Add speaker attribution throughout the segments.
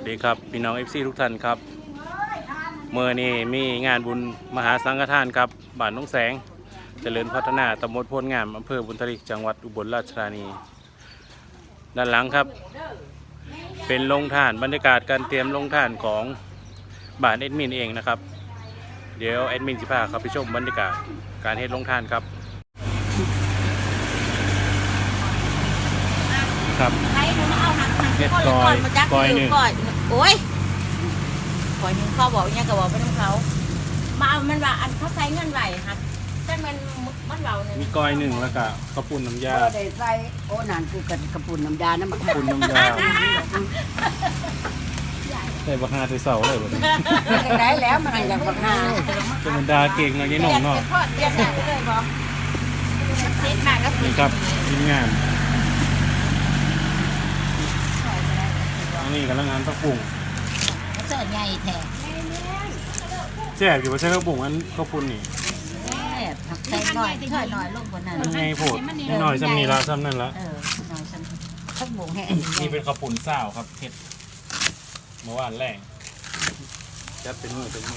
Speaker 1: ดีครับพี่น้อง FC ทุกท่านครับเมื่อนี้มีงานบุญมหาสังฆทานครับบ้านน้องแสงเจริญพัฒนาตำบลโพนงามอำเภอบุญทลิกจังหวัดอุบลราชธานีด้านหลังครับเป็นโรงทานบรรยากาศการเตรียมโรงทานของบ้านแอดมินเองนะครับเดี๋ยวแอดมินสิพาครับไปชมบรรยากาศการเฮ็ดโรงทานครับครับเฮ็ดก้อยหนึ่ง
Speaker 2: โอ้ยก้อยหนึ่งเขาบอกเนี่ยก็บอกไปน้องเขามาเอามันว่าอันเขาใช้เงินไหวครับแต่มันเบาเนี่ย
Speaker 1: มีก้อยหนึ่งแล้วก็ข้าวปุ้นน้ำยา
Speaker 3: ได้ใส่โอ้นานคือกันกระปุนน้ำยาน้ำมัน
Speaker 1: ข้าวปุ้นน้ำยาใส่บักฮาใส่เสาเลยแบบนี้
Speaker 3: ได้แล้วมันอย่างบักฮา
Speaker 1: จะมันดาเก่งนะยี่หน่องเนาะ
Speaker 2: เรียกได้เลยบอกเซ็ตมากก็
Speaker 1: นี่ครับทีมงานอันนี้กำลังงานข้าวปุ้ง
Speaker 2: เสิร์ฟใหญ่แท้
Speaker 1: แซ่บอยู่ว่าใช่ข้าวปุ้งอันข้าวปุ้นนี่
Speaker 2: ใส่หน่อยเท่าหน่อยลงกว่านั้น
Speaker 1: มันไงโผดนิดหน่อยซ้ำนี่ละซ้ำนั่นละ
Speaker 2: หน่อยฉันข้าวหมูแห้ง
Speaker 1: นี่เป็นข้าวปุ้นซ่าวครับเผ็ดเมื่อวานแรงจัดเป็นมือนี่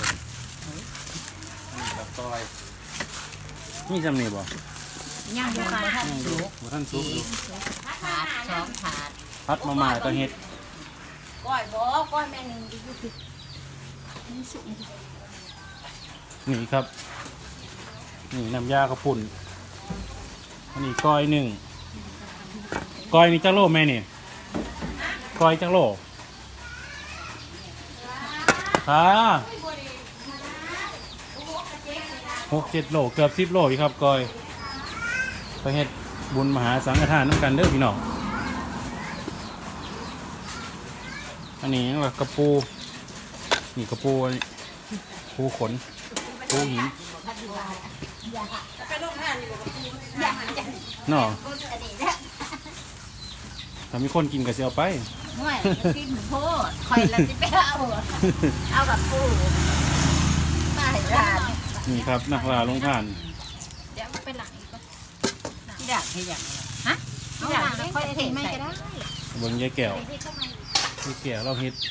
Speaker 1: ครับต้อยนี่ซ้ำนี่บ่
Speaker 2: ย่างอยู่ค่ะท่านสุก
Speaker 1: ท่านซุปดู
Speaker 2: ถาดสองถาด
Speaker 1: พัดมาม่าก็เฮ็ด
Speaker 2: ก้อยบ่ก้อยแม่นึงอยู่ที่นี่สุก
Speaker 1: นี่ครับนี่น้ำยาข้าวปุ้นอันนี้ก้อยหนึ่งก้อยนี่จักโลแม่นี่ก้อยจักโลค่ะ6-7 โลเกือบ10 โลอีกครับก้อยไปเฮ็ดบุญมหาสังฆทานน้ำกันเด้อพี่น้องอันนี้ยังกระปูนี่กระปูปูขนปูหินเนาะถ้ามีคนกินก็สิเอาไป
Speaker 2: ไม่กินโพดคอยละสิไปเอากับปูมาให้ทาน
Speaker 1: นี่ครับนักล่าลงทาน
Speaker 2: เดี๋ยวไปหลังอีกที่ดักที่อย่างฮะที่ดักค่อยเทไม่ก็ได้
Speaker 1: เบิ่งยายแก้ว ยายแก้วเราเฮ็ด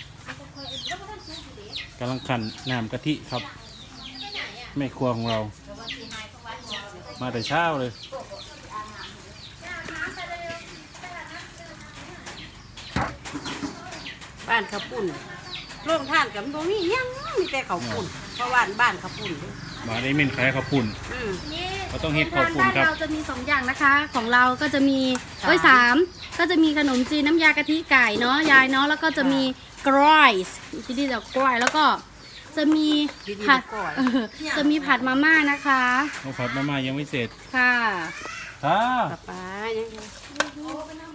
Speaker 1: กำลังขันน้ำกะทิครับแม่ครัวของเรามาแต่เช้าเลย
Speaker 3: บ้านข้าวปุ้นโรงทานกับตรงนี้ยังมีแต่ข้าวปุ้นเพราะว่าบ้านข้าวปุ้น
Speaker 1: มาได้เม่นขายข้าวปุ้นเราต้องเฮ็ดข้าวปุ้นครับ
Speaker 4: เราจะมี2อย่างนะคะของเราก็จะมีสามก็จะมีขนมจีนน้ำยากะทิไก่เนาะยายเนาะแล้วก็จะมีกรอยที่นี่จะกรอยแล้วก็จะมีผัดจะมีผัดมาม่านะคะ
Speaker 1: เราผัดมาม่ายังไม่เสร็จ
Speaker 4: ค่ะ
Speaker 1: ค่ะ
Speaker 3: ป้ายัง